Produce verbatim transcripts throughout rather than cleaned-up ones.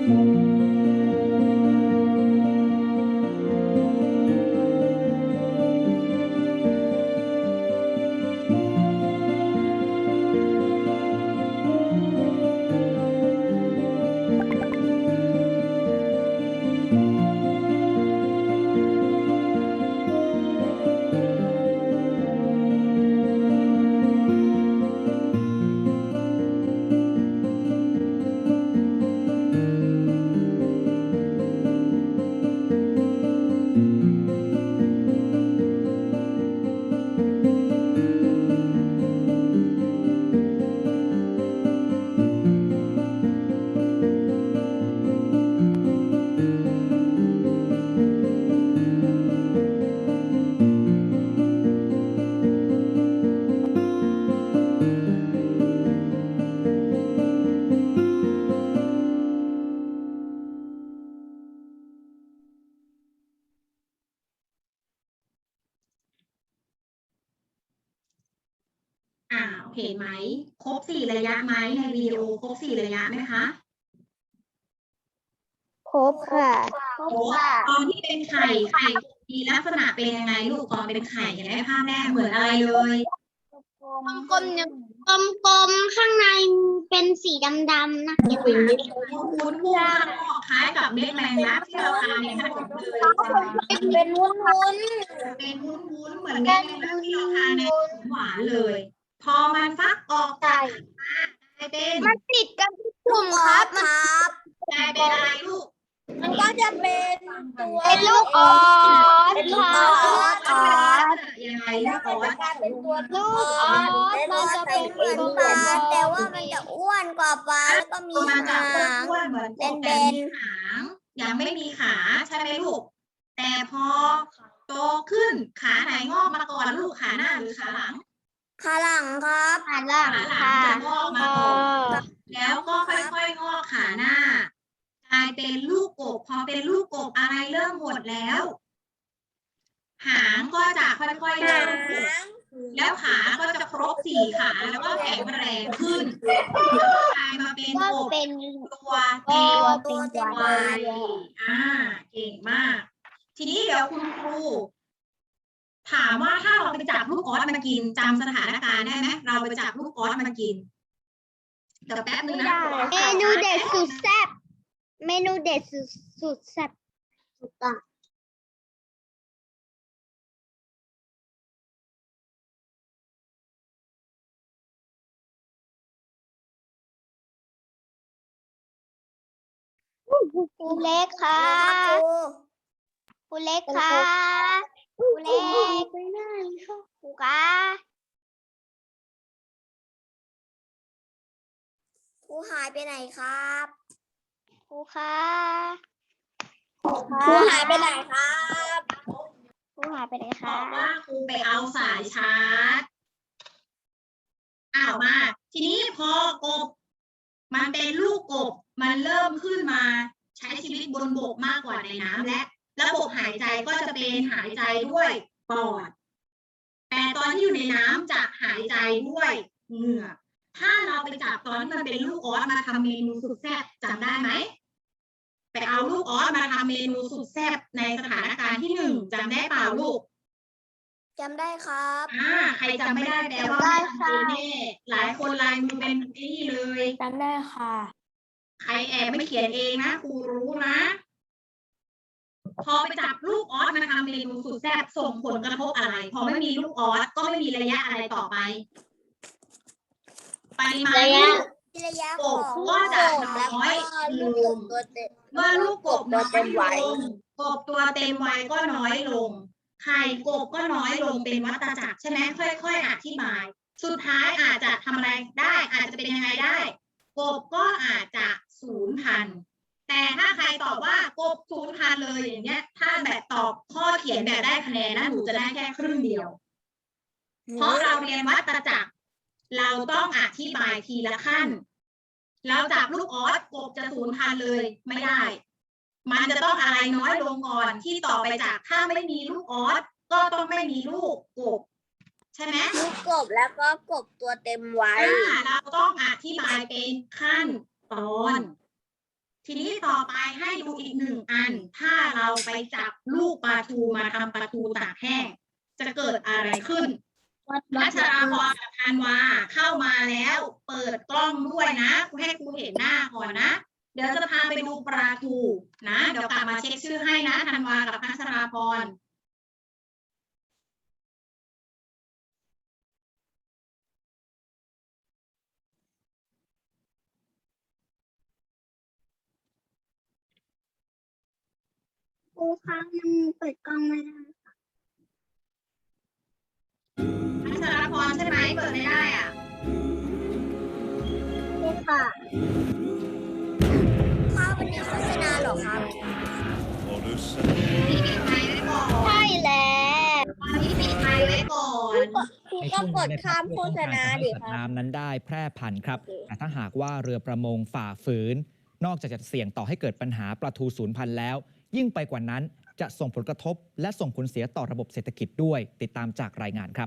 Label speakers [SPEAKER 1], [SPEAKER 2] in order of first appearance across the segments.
[SPEAKER 1] อ่าเห็นไหมครบสี่ระยะไหมในวิดีโอครบสี่ระยะไหมคะ
[SPEAKER 2] ครบค่ะ
[SPEAKER 1] ครบตอนที่เป็นไข่ไข่มีลักษณะเป็นยังไงลูกตอนเป็นไข่เห็นไหมภาพแรกเหมือนอะไรเลย
[SPEAKER 2] กลมๆกลมๆข้างในเป็นสีดำๆนะ
[SPEAKER 1] คุ้นคุ้นพุ่งข้างนอกคล้ายกับเม็ดแมงลักที่เราทานในขนมเลย
[SPEAKER 2] เป็นวุ้น
[SPEAKER 1] เป็นวุ้นๆเหมือนเม็ดแมงลักที่เราทานในขนมหวานเลย พอมันฟักออกจากไข่มากลายเป็น
[SPEAKER 2] มันติดกันทุกกลุ่มครับครับ
[SPEAKER 1] กลายเป็นอะไรลูก
[SPEAKER 2] มันก็จะเป็นตัวเป็นลูกออสเป็นลูกออสออส
[SPEAKER 1] ยังไงลูกออส
[SPEAKER 2] เป็นตัวลูกออสมันจะเป็นเหมือนปลาแต่ว่ามันจะอ้วนกว่าปลาแล้วก็มี
[SPEAKER 1] มาจาก
[SPEAKER 2] หาง
[SPEAKER 1] อ้วนๆเหมือนกบ
[SPEAKER 2] เบ
[SPEAKER 1] แต่
[SPEAKER 2] น
[SPEAKER 1] มีหางยังไม่มีขาใช่ไหมลูก แต่พอโตขึ้นขาไหนงอกมาก่อนลูกขาหน้าหรือขาหลัง
[SPEAKER 2] ขาหลังครับขาหลัง
[SPEAKER 1] ขาหลัง
[SPEAKER 2] ค่ะ
[SPEAKER 1] จะงอกมาก่อนแล้วก็ค่อยๆงอกขาหน้ากลายเป็นลูกกบพอเป็นลูกกบอะไรเริ่มหมดแล้ว หางก็จะค่อยๆเริ่มหดแล้วขาก็จะครบสี่ขาแล้วก็แข็งแรงขึ้นกลายมาเป็น
[SPEAKER 2] ก็
[SPEAKER 1] กบ
[SPEAKER 2] เป็น
[SPEAKER 1] ตัวเต็ม
[SPEAKER 2] ตัวเต็ม
[SPEAKER 1] วั
[SPEAKER 2] วั
[SPEAKER 1] ย
[SPEAKER 2] ย
[SPEAKER 1] อ่าเก่งมาก ทีนี้เดี๋ยวคุณครูถามว่าถ้าเราไปจับลูกออสมากินจำสถานการณ์ได้ไหมเราไปจับลูกออสมากินเดี๋ยวแป๊บนึงนะ
[SPEAKER 2] เมนูเด็ดสุดแซ่บเมนูเด็ดสุดสุดแซ่บสุดอ่ะครูเล็กค่ะครูเล็กค่ะครูเล็กไปไหนคะครูคะครูหายไปไหนครับครูคะครูหายไปไหนครับครูหายไปไหน
[SPEAKER 1] บ
[SPEAKER 2] คะ
[SPEAKER 1] อกว่าครูไปเอาสายชาร์จอ้าวมา ทีนี้พอกบมันเป็นลูกกบมันเริ่มขึ้นมาใช้ชีวิตบนบกมากกว่าในน้ำและระบบหายใจก็จะเป็นหายใจด้วยปอดแต่ตอนที่อยู่ในน้ำจะหายใจด้วยเหงื่อถ้าเราไปจับตอนที่มันเป็นลูกออสมาทำเมนูสุดแซ่บจำได้ไหมไปเอาลูกออสมาทำเมนูสุดแซ่บในสถานการณ์ที่หนึ่งจำได้เปล่าลูก
[SPEAKER 2] จำได้ครับ
[SPEAKER 1] อ่าใครจำไม่ได้แปลว่าไม่ทำเป็นแน่หลายคนลายมือเป็นนี่เลย
[SPEAKER 2] จำได้ค่ะ
[SPEAKER 1] ใครแอบไม่เขียนเองนะครูรู้นะ พอไปจับลูกออสมาทำเมนูสุดแซ่บส่งผลกระทบอะไร พอไม่มีลูกออสก็ไม่มีระยะอะไรต่อไปปริมาณลูก
[SPEAKER 2] ระยะ
[SPEAKER 1] ก
[SPEAKER 2] ข
[SPEAKER 1] บ
[SPEAKER 2] อง
[SPEAKER 1] ก็จะน้อยลง
[SPEAKER 2] ตัวเต็ม
[SPEAKER 1] เมื่อลูกกบน้อย
[SPEAKER 2] เต็มวัย
[SPEAKER 1] ลงกบตัวเต็มวัยก็น้อยลงไข่กบก็น้อยลงเป็นวัฏจักรใช่ไหมค่อยๆอธิบาย สุดท้ายอาจจะทำอะไรได้อาจจะเป็นยังไงได้กบก็อาจจะสูญพันธุ์แต่ถ้าใครตอบว่ากบสูญพันธุ์เลยอย่างเงี้ยถ้าแบบตอบข้อเขียนแบบได้คะแนนนะหนูจะได้แค่ครึ่งเดียว เพราะเราเรียนวัฏจักรเราต้องอธิบายทีละขั้นเราจับลูกออสกบจะสูญพันธุ์เลยไม่ได้ มันจะต้องอะไรน้อยลงก่อนที่ต่อไปจากถ้าไม่มีลูกออสก็ต้องไม่มีลูกกบใช่ไหม
[SPEAKER 2] ลูกกบแล้วก็กบตัวเต็มวัย
[SPEAKER 1] อ่าเราต้องอธิบายเป็นขั้นตอนทีนี้ต่อไปให้ดูอีกหนึ่งอัน ถ้าเราไปจับลูกปลาทูมาทำปลาทูตากแห้งจะเกิดอะไรขึ้นพัชราพรกับธันวาเข้ามาแล้ว เปิดกล้องด้วยนะให้ครูเห็นหน้าก่อนนะ เดี๋ยวจะพาไปดูปลาทูนะเดี๋ยวกลับมาเช็คชื่อให้นะธันวากับพัชราพร
[SPEAKER 2] ครูคะยังเปิดกล้องไม่ได้
[SPEAKER 1] พัชราพรใช่ไหมเปิดไม่ได้อ่ะ
[SPEAKER 2] ใช่ค่ะข้าววันนี้โฆษณาเหรอครับ
[SPEAKER 1] นี่ปิดไมค์ไว้ก่อน
[SPEAKER 2] ใช่แล้ว
[SPEAKER 1] ตอนนี้ปิดไมค์ไว้ก่อน
[SPEAKER 2] ครูก็กดข้ามโฆษณาดิ
[SPEAKER 3] สัต
[SPEAKER 2] ค
[SPEAKER 3] ว์
[SPEAKER 2] รับ
[SPEAKER 3] น้ำนั้นได้แพร่พันธุ์ครับ
[SPEAKER 2] โอเค
[SPEAKER 3] แต่ถ้าหากว่าเรือประมงฝ่าฝืน นอกจากจะเสี่ยงต่อให้เกิดปัญหาปลาทูสูญพันธุ์แล้ว ยิ่งไปกว่านั้นจะส่งผลกระทบและส่งผลเสียต่อระบบเศรษฐกิจด้วยติดตามจากรายงานครับ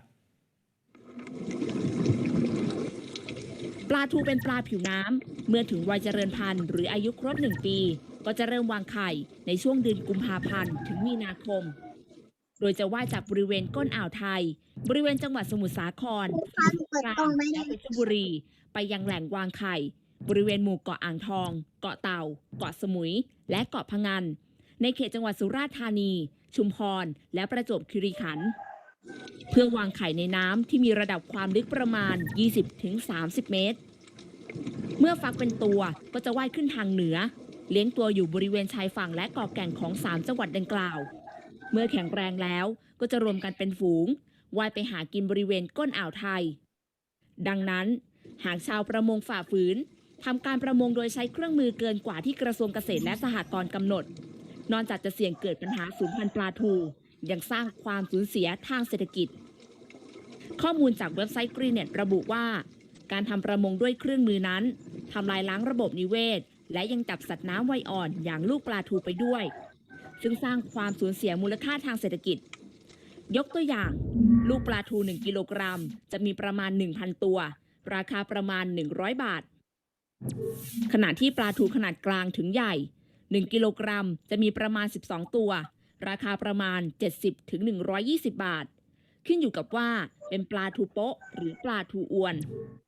[SPEAKER 4] ปลาทูเป็นปลาผิวน้ำเมื่อถึงวัยเจริญพันธุ์หรืออายุครบหนึ่งปี ก็จะเริ่มวางไข่ในช่วงเดือนกุมภาพันธ์ถึงมีนาคม โดยจะว่ายจากบริเวณก้นอ่าวไทย บริเวณจังหวัดสมุทรสาคร
[SPEAKER 2] เปิดกล้องไม่ได้
[SPEAKER 4] และเพชรบุรี ไปยังแหล่งวางไข่ บริเวณหมู่เกาะอ่างทอง เกาะเต่า เกาะสมุย และเกาะพะงัน ในเขตจังหวัดสุราษฎร์ธานี ชุมพร และประจวบคีรีขันธ์เพื่อวางไข่ในน้ำที่มีระดับความลึกประมาณ ยี่สิบถึงสามสิบ เมตร เมื่อฟักเป็นตัวก็จะว่ายขึ้นทางเหนือ เลี้ยงตัวอยู่บริเวณชายฝั่งและเกาะแก่งของสามจังหวัดดังกล่าว เมื่อแข็งแรงแล้วก็จะรวมกันเป็นฝูงว่ายไปหากินบริเวณก้นอ่าวไทย ดังนั้นหากชาวประมงฝ่าฝืนทำการประมงโดยใช้เครื่องมือเกินกว่าที่กระทรวงเกษตรและสหกรณ์กำหนด นอกจากจะเสี่ยงเกิดปัญหาสูญพันธุ์ปลาทูยังสร้างความสูญเสียทางเศรษฐกิจ ข้อมูลจากเว็บไซต์ Greennet ระบุว่า การทำประมงด้วยเครื่องมือนั้นทำลายล้างระบบนิเวศ และยังจับสัตว์น้ำวัยอ่อนอย่างลูกปลาทูไปด้วย ซึ่งสร้างความสูญเสียมูลค่าทางเศรษฐกิจ ยกตัวอย่าง ลูกปลาทูหนึ่งกิโลกรัมจะมีประมาณ หนึ่งพัน ตัว ราคาประมาณ หนึ่งร้อย บาท ขณะที่ปลาทูขนาดกลางถึงใหญ่ หนึ่งกิโลกรัมจะมีประมาณ สิบสอง ตัว ราคาประมาณ เจ็ดสิบถึงหนึ่งร้อยยี่สิบ บาท ขึ้นอยู่กับว่าเป็นปลาทูโป๊ะหรือปลาทูอวน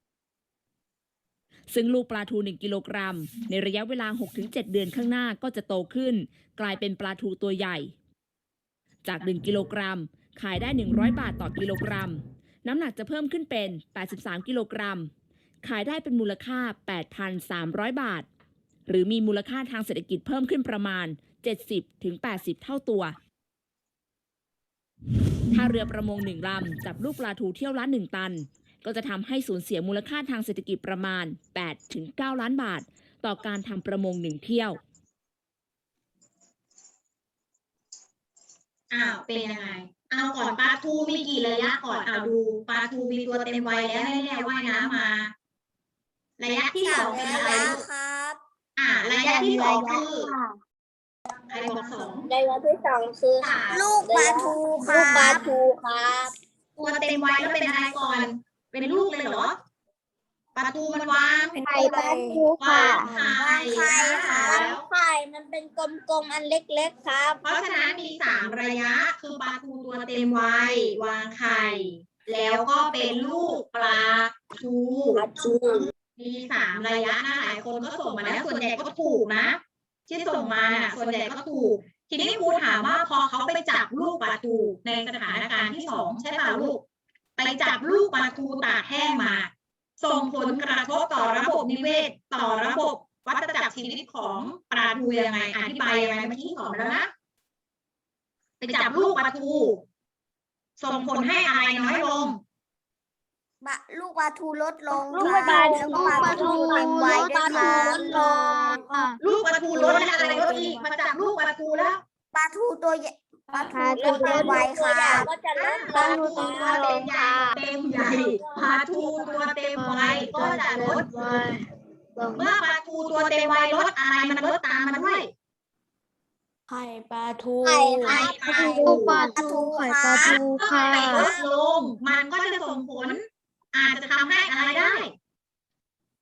[SPEAKER 4] ซึ่งลูกปลาทูหนึ่งกิโลกรัมในระยะเวลา หกถึงเจ็ด เดือนข้างหน้าก็จะโตขึ้น กลายเป็นปลาทูตัวใหญ่ จากหนึ่งกิโลกรัมขายได้หนึ่งร้อยบาทต่อกิโลกรัม น้ำหนักจะเพิ่มขึ้นเป็นแปดสิบสามกิโลกรัม ขายได้เป็นมูลค่า แปดพันสามร้อย บาท หรือมีมูลค่าทางเศรษฐกิจเพิ่มขึ้นประมาณ เจ็ดสิบถึงแปดสิบ เท่าตัว ถ้าเรือประมงหนึ่งลำจับลูกปลาทูเที่ยวละหนึ่งตัน ก็จะทำให้สูญเสียมูลค่าทางเศรษฐกิจประมาณ แปดถึงเก้า ล้านบาท ต่อการทำประมงหนึ่งเที่ยว
[SPEAKER 1] อ้าวเป็นยังไง เอาก่อนปลาทูมีกี่ระยะก่อนเอาดูปลาทูมีตัวเต็มวัยแล้วแน่ๆว่ายน้ำมา ระยะที่สองเป็นอะไรลูก
[SPEAKER 2] ครับ
[SPEAKER 1] อ่า ระยะที่สองคือใครบอกสอง
[SPEAKER 2] ระยะที่สองคือลูกปลาทูลูกปลาทูครับ
[SPEAKER 1] ตัวเต็มวัยแล้วเป็นอะไรก่อน เป็นลูกเลยเหรอปลาทูมันวาง
[SPEAKER 2] ไข่ปลาทู
[SPEAKER 1] วางไข่นะคะ
[SPEAKER 2] ไข่มันเป็นกลมๆอันเล็กๆครับ
[SPEAKER 1] เพราะฉะนั้นมีสามระยะคือปลาทูตัวเต็มวัยวางไข่ แล้วก็เป็นลูกปลาทู
[SPEAKER 2] ปลาทู
[SPEAKER 1] มีสามระยะนะหลายคนก็ส่งมาแล้วส่วนใหญ่ก็ถูกนะ ที่ส่งมาน่ะส่วนใหญ่ก็ถูก ทีนี้ครูถามว่าพอเขาไปจับลูกปลาทูในสถานการณ์ที่สองใช่ป่ะลูก ไปจับลูกปลาทูตากแห้งมา ส่งผลกระทบต่อระบบนิเวศ ต่อระบบวัฏจักรชีวิตของปลาทูยังไงอธิบายยังไงเมื่อกี้สอนแล้วนะ ไปจับลูกปลาทู ส่งผลให้อะไรน้อยลง
[SPEAKER 2] ลูกปลาทูลดลง
[SPEAKER 1] ลูกปลาทู
[SPEAKER 2] แล้วก็ปลาทูเต็มวัยด้วยค่ะ
[SPEAKER 1] ลูกปลาทูลดและอะไรลดอีกมาจับลูกปลาทูแล้ว
[SPEAKER 2] ปลาทูตัวใหญ่ปลาทูตัวเต็มวัยค่ะก็จะลด
[SPEAKER 1] ปลาทูตัวเต็มใหญ่เต็มใหญ่ปลาทูตัวเต็มวัยก็จะลดเมื่อปลาทูตัวเต็มวัยลดอะไรมันลดตามมันด้วย
[SPEAKER 5] ไข่ปลาทู
[SPEAKER 2] ไข่
[SPEAKER 1] ไข่ปลาทู
[SPEAKER 2] ปลาทูไข่ปลาทู
[SPEAKER 1] ไข่ลดลงมันก็จะส่งผล อาจจะทำให้อะไรได้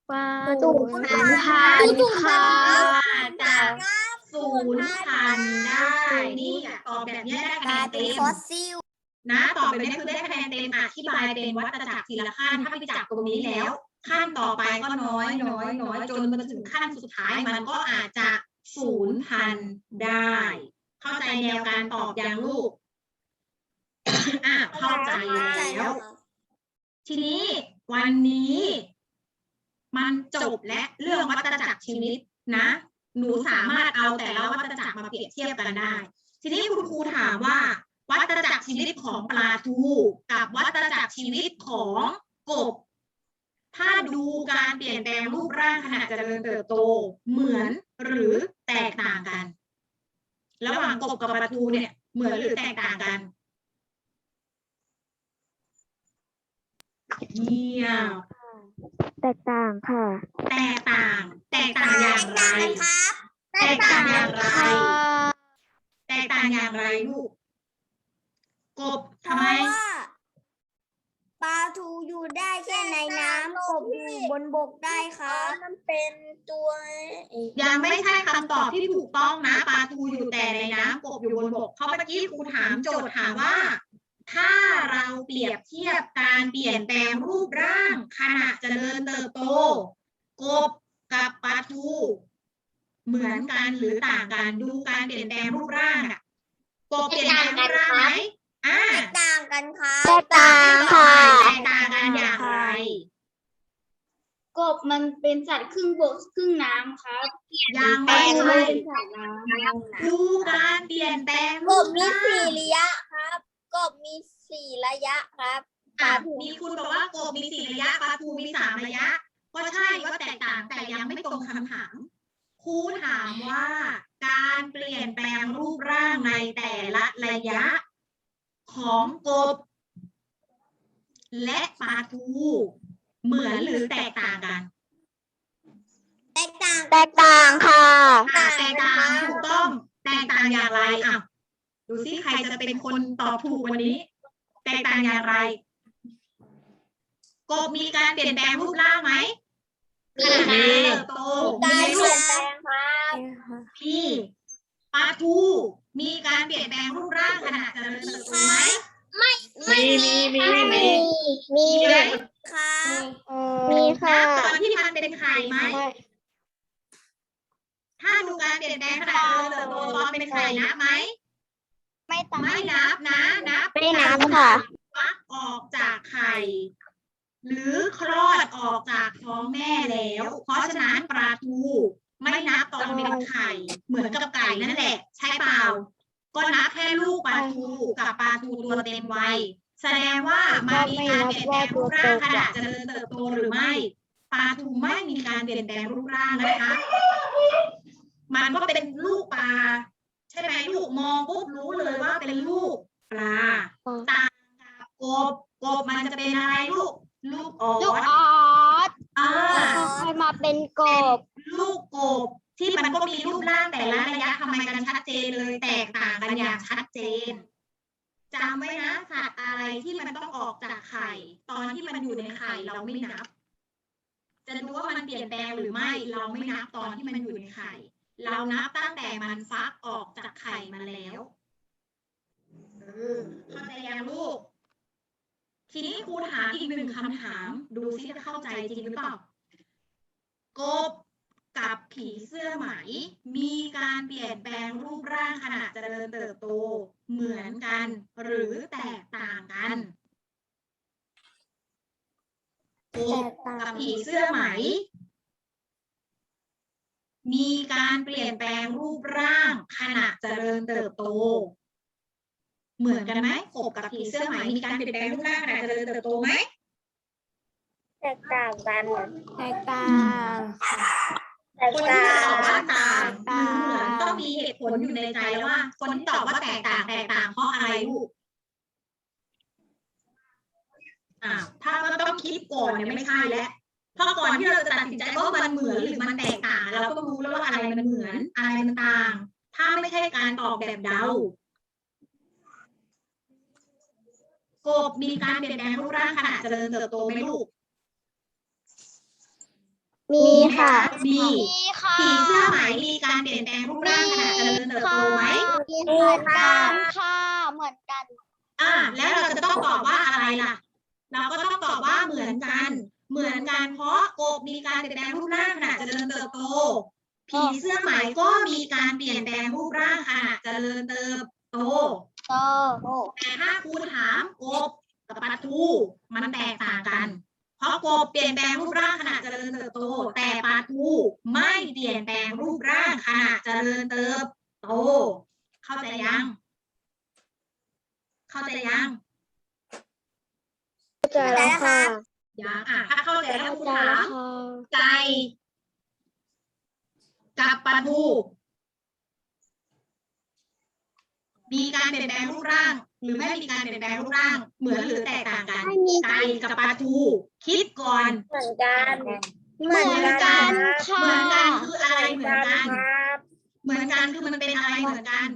[SPEAKER 2] ปลา
[SPEAKER 5] สูญพันธุ์ค่ะ
[SPEAKER 1] จะสูญพันธุ์ได้นี่อ่ะตอบแบบนี้ได้คะแนนเต็ม
[SPEAKER 5] ฟอสซิล
[SPEAKER 1] นะตอบแบบนี้คือได้คะแนนเต็มอธิบายเป็นวัฏจักรทีละขั้นถ้าไปจับตรงนี้แล้ว ขั้นต่อไปก็น้อยน้อยน้อยจนมาถึงขั้นสุดท้ายมันก็อาจจะสูญพันธุ์ได้ เข้าใจแนวการตอบอย่างลูก อ่ะเข้าใจแล้ว ทีนี้วันนี้มันจบและเรื่องวัฏจักรชีวิตนะ หนูสามารถเอาแต่ละวัฏจักรมาเปรียบเทียบกันได้ ทีนี้คุณครูถามว่า วัฏจักรชีวิตของปลาทูกับวัฏจักรชีวิตของกบ ถ้าดูการเปลี่ยนแปลงรูปร่างขณะเจริญเติบโตเหมือนหรือแตกต่างกัน ระหว่างกบกับปลาทูเนี่ยเหมือนหรือแตกต่างกันเงียบ
[SPEAKER 2] แตกต่างค่ะ
[SPEAKER 1] แตกต่าง แตกต่างอย่างไร แตกต่างอย่างไร แตกต่างอย่างไรลูก กบทำไม
[SPEAKER 5] ปลาทูอยู่ได้แค่ในน้ำกบอยู่บนบกได้ครับมันเป็นตัว
[SPEAKER 1] ยังไม่ใช่คำตอบที่ถูกต้องนะปลาทูอยู่แต่ในน้ำกบอยู่บนบกเพราะเมื่อกี้ครูถามโจทย์ถามว่า ถ้าเราเปรียบเทียบการเปลี่ยนแปลงรูปร่างขณะเจริญเติบโต กบกับปลาทูเหมือนกันหรือต่างกันดูการเปลี่ยนแปลงรูปร่างอะกบเปลี่ยนแปลงรูปร่างไหมอ่า
[SPEAKER 5] แตกต่างกันครับ
[SPEAKER 2] แตกต่างค่ะ
[SPEAKER 1] แตกต่างกันอย่างไร
[SPEAKER 6] กบมันเป็นสัตว์ครึ่งบกครึ่งน้ำครับ
[SPEAKER 1] ยังไม่
[SPEAKER 6] ปลาทู
[SPEAKER 1] ใช่
[SPEAKER 6] เป็นสัตว์น้ำ
[SPEAKER 1] ดูการเปลี่ยนแปลง
[SPEAKER 5] ก
[SPEAKER 1] รู
[SPEAKER 5] บ
[SPEAKER 1] ป
[SPEAKER 5] มี
[SPEAKER 1] ร่าง
[SPEAKER 5] สี่ระยะครับกบมีสี่ระยะครับ
[SPEAKER 1] อ่ะมีคุณบอกว่ากบมีสี่ระยะปลาทูมีสามระยะ ก็ใช่ว่าแตกต่างแต่ยังไม่ตรงคำถามครูถามว่า การเปลี่ยนแปลงรูปร่างในแต่ละระยะ ของกบ และปลาทูเหมือนหรือแตกต่างกัน
[SPEAKER 5] แตกต่าง
[SPEAKER 2] แตกต่างค่ะ
[SPEAKER 1] อ่ะแตกต่างถูกต้องแตกต่างอย่างไรอ่ะดูซิใครจะเป็นคนตอบถูกวันนี้ แตกต่างอย่างไร กบมีการเปลี่ยนแปลงรูปร่างไหมขณะเติบโตมี
[SPEAKER 5] การ
[SPEAKER 1] รู
[SPEAKER 5] เปลี่ย
[SPEAKER 1] ป
[SPEAKER 5] นแปลงครับ
[SPEAKER 1] มีปลาทูมีการเปลี่ยนแปลงรูปร่างขณะเจริญเติบโตไหม
[SPEAKER 5] ไม่มีมี
[SPEAKER 2] มี มี
[SPEAKER 1] มีไหม
[SPEAKER 5] ครับ
[SPEAKER 2] มีค่ะ
[SPEAKER 1] ตอนที่มันเป็นไข่ไหมถ้าดูการเปลี่ยนแปลงขณะเจริญเติบโตตอนเป็นไข่นับไหม
[SPEAKER 2] ไม่ต่าง
[SPEAKER 1] ไม่นับนะนับ
[SPEAKER 2] ไม่นับค่ะ
[SPEAKER 1] ฟักออกจากไข่ หรือคลอดออกจากท้องแม่แล้ว เพราะฉะนั้นปลาทูไม่นับตอนเป็นไข่ เหมือนกับไก่นั่นแหละ ใช่เปล่า ก็นับแค่ลูกปลาทูกับปลาทูตัวเต็มวัยแสดงว่ามันมีการเปลี่ยนแปลงรูปร่างขณะเจริญเติบโตหรือไม่ปลาทูไม่มีการเปลี่ยนแปลงรูปร่างนะคะ มันก็เป็นลูกปลาใช่ไหมลูกมองปุ๊บรู้เลยว่าเป็นลูกปลาต่างกับกบกบมันจะเป็นอะไรลูก ลูกออ
[SPEAKER 2] ลูก
[SPEAKER 1] ส
[SPEAKER 2] ออส
[SPEAKER 1] อ่า
[SPEAKER 2] ค่อยมาเป็นกบ
[SPEAKER 1] ลูกกบที่มันก็มีรูปร่างแต่ละระยะทำไมกันชัดเจนเลยแตกต่างกันอย่างชัดเจนจำไว้นะสัตว์อะไรที่มันต้องออกจากไข่ ตอนที่มันอยู่ในไข่เราไม่นับ จะดูว่ามันเปลี่ยนแปลงหรือไม่ เราไม่นับตอนที่มันอยู่ในไข่ เรานับตั้งแต่มันฟักออกจากไข่มาแล้วเออเข้าใจยังลูก ทีนี้ครูถามอีกหนึ่งคำถาม ดูซิจะเข้าใจจริงหรือเปล่ากบกับผีเสื้อไหม มีการเปลี่ยนแปลงรูปร่างขณะเจริญเติบโตเหมือนกัน หรือแตกต่างกันกบกับผีเสื้อไหม มีการเปลี่ยนแปลงรูปร่างขณะเจริญเติบโต เหมือนกันไหมกบกับผีเสื้อไหมมีการเปลี่ยนแปลงรูปร่างขณะเจริญเติบโตไหม
[SPEAKER 2] แตกต่างกัน
[SPEAKER 5] แตกต่าง
[SPEAKER 2] แตก
[SPEAKER 1] คน
[SPEAKER 2] ต่า
[SPEAKER 1] ที่ตอบ
[SPEAKER 2] ง
[SPEAKER 1] ว่าต่างหรือเหมือนต้องมีเหตุผลอยู่ในใจแล้วว่า คนที่ตอบว่าแตกต่างแตกต่างเพราะอะไรลูกอ่าถ้าก็ต้องคิดก่อนเนี่ยไม่ใช่แล้วเพราะก่อนที่เราจะตัดสินใจว่ามันเหมือนหรือมันแตกต่างเราก็รู้แล้วว่าอะไรมันเหมือนอะไรมันต่าง ถ้าไม่ใช่การตอบแบบเดากบมีการเปลี่ยนแปลงรูปร่างขณะเจริญเติบโตไหมลูก
[SPEAKER 2] มีค่ะ
[SPEAKER 1] มี
[SPEAKER 2] มีค่ะ
[SPEAKER 1] ผีเสื้อไหมมีการเปลี่ยนแปลงรูปร่างขณะเจริญเติบโตไหม
[SPEAKER 2] มีเหมือนกันค่ะ เหมือนกัน
[SPEAKER 1] อ่า แล้วเราจะต้องตอบว่าอะไรล่ะ เราก็ต้องตอบว่าเหมือนกัน เหมือนกันเพราะกบมีการเปลี่ยนแปลงรูปร่างขณะเจริญเติบโต ผีเสื้อไหมก็มีการเปลี่ยนแปลงรูปร่างขณะเจริญเติบโต
[SPEAKER 2] โต
[SPEAKER 1] แต่ถ้าครูถามกบกับปลาทูมันแตกต่างกัน เพราะกบเปลี่ยนแปลงรูปร่างขณะเจริญเติบโต แต่ปลาทูไม่เปลี่ยนแปลงรูปร่างขณะเจริญเติบโต เข้าใจยัง เข้าใจยัง
[SPEAKER 2] เข้าใจแล้วค่ะ
[SPEAKER 1] ยังอ่ะถ้าเข้าใจแล้วครูถาม ไก่กับปลาทูมีการเปลี่ยนแปลงรูปร่าง หรือไม่มีการเปลี่ยนแปลงรูปร่าง เหมือนหรือแตกต่างกัน
[SPEAKER 2] ไม่มี
[SPEAKER 1] ไก่กับปลาทู คิดก่อน
[SPEAKER 5] เหมือนกัน
[SPEAKER 2] เหมือนกันค่ะ
[SPEAKER 1] เหมือนกันคืออะไรเหมือนกัน เหมือนกันคือมันเป็นอะไรเหมือนกัน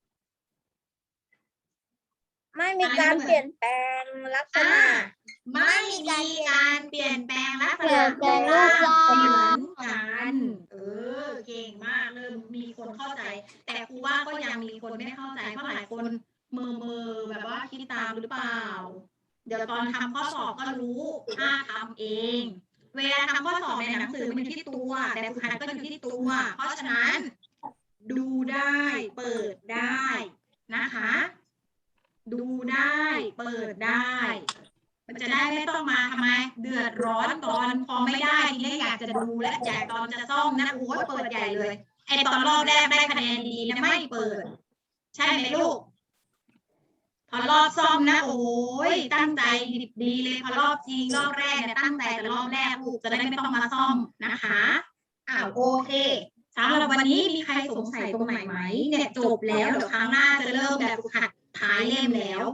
[SPEAKER 5] ไม่มีการเปลี่ยนแปลงลักษ
[SPEAKER 1] อ่า
[SPEAKER 5] ณะ
[SPEAKER 1] ไม่มีการเปลี่ยนแปลงลักษ
[SPEAKER 2] เปลี่
[SPEAKER 1] ณะ
[SPEAKER 2] ยนแปลงรูปร่าง
[SPEAKER 1] เหมือนกันเออเก่งมากเริ่มมีคนเข้าใจ แต่ครูว่าก็ยังมีคนไม่เข้าใจเพราะหลายคนเมอเมอๆแบบว่าคิดตามหรือเปล่า เดี๋ยวตอนทำข้อสอบก็รู้ถ้าทำเอง เวลาทำข้อสอบในหนังสือมันอยู่ที่ตัว แต่ฝึกหัดก็อยู่ที่ตัว เพราะฉะนั้น ดูได้เปิดได้นะคะ ดูได้เปิดได้ มันจะได้ไม่ต้องมาทำไม เดือดร้อนตอนพอไม่ได้ทีนี้อยากจะดูและอยากตอนจะซ่อมนะโอ้ยเปิดใหญ่เลยไอตอนรอบแรกได้คะแนนดีนะไม่เปิด ใช่ไหมลูก พอรอบซ่อมนะโอ้ยตั้งใจดีเลยพอรอบจริงรอบแรกเนี่ยตั้งใจแต่รอบแรกลูกจะได้ไม่ต้องมาซ่อมนะคะอ้าวโอเคสำหรับวันนี้มีใครสงสัยตรงไหนไหมเนี่ยจบแล้วเดี๋ยวครั้งหน้าจะเริ่มแบบฝึกหัดท้ายเล่มแล้ว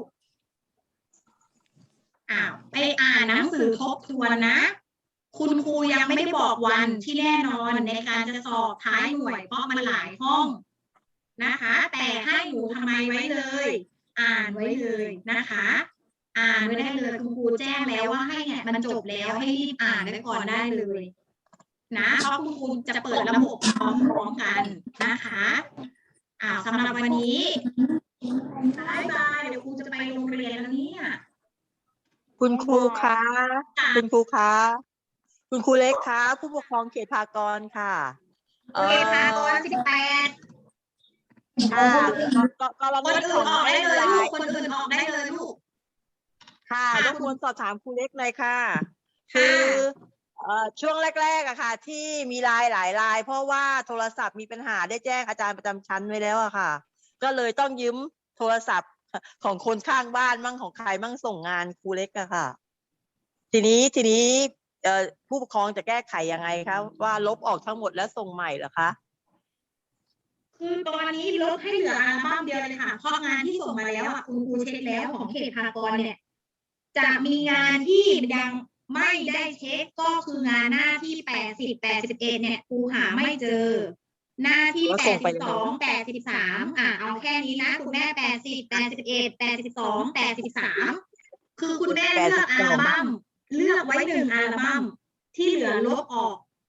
[SPEAKER 1] อ้าวไปอ่านหนังสือทบทวนนะ คุณครูยังไม่ได้บอกวันที่แน่นอนในการจะสอบท้ายหน่วยเพราะมันหลายห้องนะคะ แต่ให้หนูทำไมไว้เลย อ่านไว้เลยนะคะ อ่านไว้ได้เลยคุณครูแจ้งแล้วว่าให้เนี่ยมันจบแล้วให้รีบอ่านไว้ก่อนได้เลยนะเพราะคุณครูจะเปิดระบบพร้อมๆกันนะคะอ้าวสำหรับวันนี้บายบายเดี๋ยวครูจะไปโรงเรียนแล้วเนี่ย
[SPEAKER 7] คุณครูคะ
[SPEAKER 1] ค่ะ
[SPEAKER 7] คุณครูคะ คุณครูเล็กคะ ผู้ปกครองเขตพากรค่ะ
[SPEAKER 1] โอเคพากรสิบแปด
[SPEAKER 7] ค่ะก็ก็เรา
[SPEAKER 1] ค
[SPEAKER 7] ไม่
[SPEAKER 1] น
[SPEAKER 7] ได้
[SPEAKER 1] อื่
[SPEAKER 7] ส่
[SPEAKER 1] น
[SPEAKER 7] ง
[SPEAKER 1] ออกได้เลย
[SPEAKER 7] ไล
[SPEAKER 1] ลูก
[SPEAKER 7] น์
[SPEAKER 1] คนอื่นออกได้เลยลูก
[SPEAKER 7] ค่ะ
[SPEAKER 1] ค่ะ
[SPEAKER 7] รบกวนสอบถามครูเล็กหน่อยค่ะ คือเอ่อช่วงแรกๆอะค่ะ ที่มีไลน์หลายไลน์เพราะว่าโทรศัพท์มีปัญหาได้แจ้งอาจารย์ประจำชั้นไว้แล้วอะค่ะ ก็เลยต้องยืมโทรศัพท์ของคนข้างบ้านมั่งของใครมั่งส่งงานครูเล็กอะค่ะ ทีนี้ทีนี้เอ่อผู้ปกครองจะแก้ไขยังไงคะว่าลบออกทั้งหมดแล้วส่งใหม่เหรอคะ
[SPEAKER 1] คือตอนนี้ลดให้เหลืออัลบั้มเดียวเลยค่ะ เพราะงานที่ส่งมาแล้วอ่ะคุณครูเช็คแล้วของเขตพากรเนี่ย จะมีงานที่ยังไม่ได้เช็คก็คืองานหน้าที่แปดสิบ แปดสิบเอ็ดเนี่ยครูหาไม่เจอ หน้าที่
[SPEAKER 7] ก็
[SPEAKER 1] แป
[SPEAKER 7] ส่
[SPEAKER 1] ด
[SPEAKER 7] งไป
[SPEAKER 1] สิบ
[SPEAKER 7] แล้
[SPEAKER 1] ส
[SPEAKER 7] ว
[SPEAKER 1] อง แปดสิบสามอ่ะเอาแค่นี้นะคุณแม่แปดสิบ แปดสิบเอ็ด แปดสิบสอง แปดสิบสามคือคุณแม่เลือกอัลบั้มเลือกไว้หนึ่งอัลบั้มที่เหลือลบออก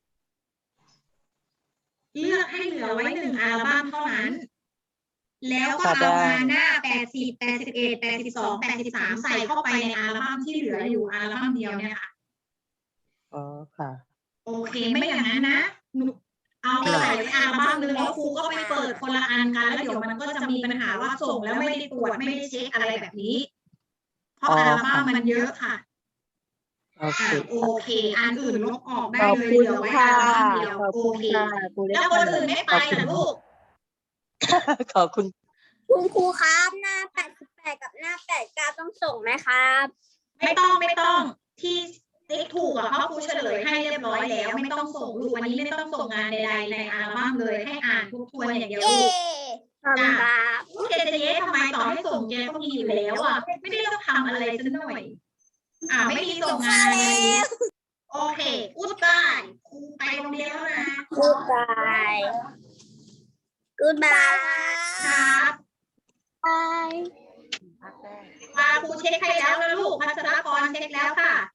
[SPEAKER 1] เลือกให้เหลือไว้หนึ่งอัลบั้มเท่านั้น แล้วก็เอางานหน้าแปดสิบ แปดสิบเอ็ด แปดสิบสอง แปดสิบสามใส่เข้าไปในอัลบั้มที่เหลืออยู่อัลบั้มเดียวเนี่ยค่ะ
[SPEAKER 7] อ๋อค่ะ
[SPEAKER 1] โอเคไม่อย่างนั้นนะหนูเอาไปใส่ไว้อัลบั้มนึงแล้วครูก็ไปเปิดคนละอันกันแล้วเดี๋ยวมันก็จะมีปัญหาว่าส่งแล้วไม่ได้ตรวจไม่ได้เช็คอะไรแบบนี้ เพราะ
[SPEAKER 7] อ๋อ
[SPEAKER 1] อัลบั้มมันเยอะค่ะ
[SPEAKER 7] โอเค
[SPEAKER 1] อ่ะโอเค อันอื่นลบออกได้
[SPEAKER 7] ขอบ
[SPEAKER 1] เลย
[SPEAKER 7] คุณ
[SPEAKER 1] เหลือไว้
[SPEAKER 7] ค่ะ
[SPEAKER 1] อัลบั้มเดียว
[SPEAKER 7] ขอบ
[SPEAKER 1] โอ
[SPEAKER 7] คุณ
[SPEAKER 1] เค
[SPEAKER 7] ค่ะครูเล็ก
[SPEAKER 1] แล้วคนอื่นไม่ไปเหรอลูก
[SPEAKER 7] ขอบคุณ
[SPEAKER 5] คุณครูครับหน้าแปดสิบแปดกับหน้าแปดเก้าต้องส่งไหมครับ
[SPEAKER 1] ไม่ต้องไม่ต้องที่ติ๊กถูกอะเพราะครูเฉลยให้เรียบร้อยแล้ว ไม่ต้องส่งลูกวันนี้ไม่ต้องส่งงานใดๆในอัลบั้มเลยให้อ่านทบทวนอย่างเดียว
[SPEAKER 5] เย้
[SPEAKER 1] ลูก
[SPEAKER 5] ขอบคุณครับ
[SPEAKER 1] ลูกแกจะเย้ทำไมต่อให้ส่งแกก็มีอยู่แล้วอะไม่ได้ต้องทำอะไรสักหน่อย อ่าไม่มีส่งงานเลยวันนี้โอเคกูดบายครูไปโรงเรียนแล้วนะ
[SPEAKER 5] Goodbye Goodbye
[SPEAKER 1] ครับ
[SPEAKER 2] บาย
[SPEAKER 1] พาครูเช็คให้แล้วนะลูกพัชรกรเช็คแล้วค่ะ